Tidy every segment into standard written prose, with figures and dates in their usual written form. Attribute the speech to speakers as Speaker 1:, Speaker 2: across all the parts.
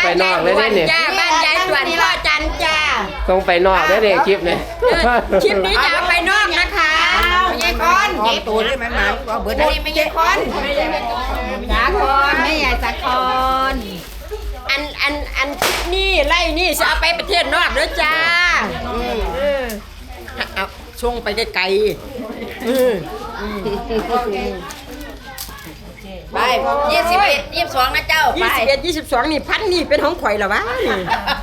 Speaker 1: นอกเลยเนี่ย
Speaker 2: จ้าบ้านยายส่วนพ่อจันจ้า
Speaker 1: ส่งไปนอกได้เลยคลิปเนี่ย
Speaker 2: คลิปนี้จะเอาไปนอกนะคะไม่ใช่คนเก็บตัวเลยมันก็เบิดอันนี้ไม่ใช่คนสาครไม่ใหญ่สาครอันนี่ไล่นี่จะเอาไปประเทศนอกด้วยจ้าเอาช่วงไปไกลๆไป21 22นะเจ้าไป21 22นี่พันนี่เป็นของข่อยเหรอวะนี่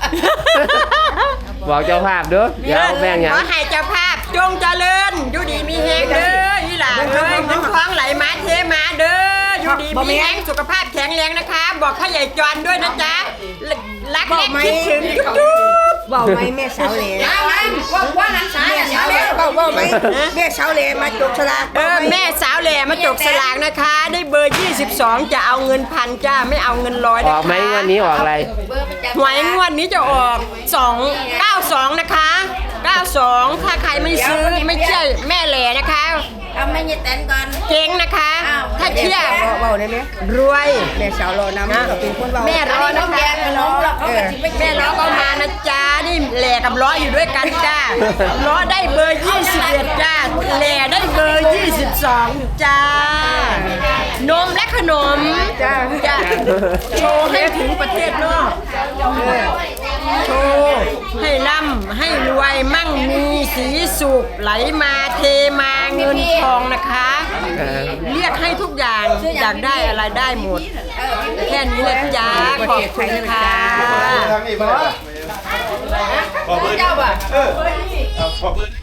Speaker 1: บอกเจ้าภาพเด้ออย่าเอาแบ่งอย่าง
Speaker 2: ขอให้เจ้าภาพจงเจริญอยู่ดีมีแฮงเด้อยี่หล่าเอ้ยเงินทองไหลมาเทมาเด้ออยู่ดีมีแฮงสุขภาพแข็งแรงนะคะ บอกพ่อใหญ่จวนด้วยนะจ๊ะรักและคิดถึงจุ๊บ
Speaker 3: บอกไหมแม่สาวเหล่
Speaker 2: ว่านันสาย
Speaker 3: แม่สาวเหล่บอกไหมแม่สาวเหล่มาจกฉลาก
Speaker 2: แม่สาวแหล่มาจกสลากนะคะ ได้เบอร์22จะเอาเงิน1,000จ้าไม่เอาเงิน100
Speaker 1: อ
Speaker 2: นะ
Speaker 1: อกไหม
Speaker 2: คะ
Speaker 1: วันนี้ออกอะไร
Speaker 2: หวยงวดนี้จะออก292นะคะ92ถ้าใครไม่ซื้อไม่เชื่อแม่แหล่นะคะ
Speaker 4: เอาไม่ยึดแตนก่อน
Speaker 2: เจ๊งนะคะ ถ้าเชื่อ
Speaker 3: บอกได้ไหม
Speaker 2: รวย
Speaker 3: แม่สาวรอนำก็เป็นคนบอก
Speaker 2: แม่รอนะ
Speaker 4: แก
Speaker 2: คะ
Speaker 4: งน้องเราเขาก็สิไป
Speaker 2: แม่ล้อก็มานะจ๊ะนี่แหล่กับล้ออยู่ด้วยกันจ้าล้อได้เบอร์21จ้าแหล่ได้เบอร์22จ้านมและขนมจ้าโชว์ให้ถึงประเทศนอกโชว์ให้ร่ำให้รวยมั่งมีสีสุขไหลมาเทมาเงินทองนะคะ เรียกให้ทุกอย่างอยากได้อะไรได้หมด แค่นี้เลยจ้าขอบคุณค่ะ
Speaker 5: ทางนี้มาขอเบอร์เจ้าป่ะขอเบอร์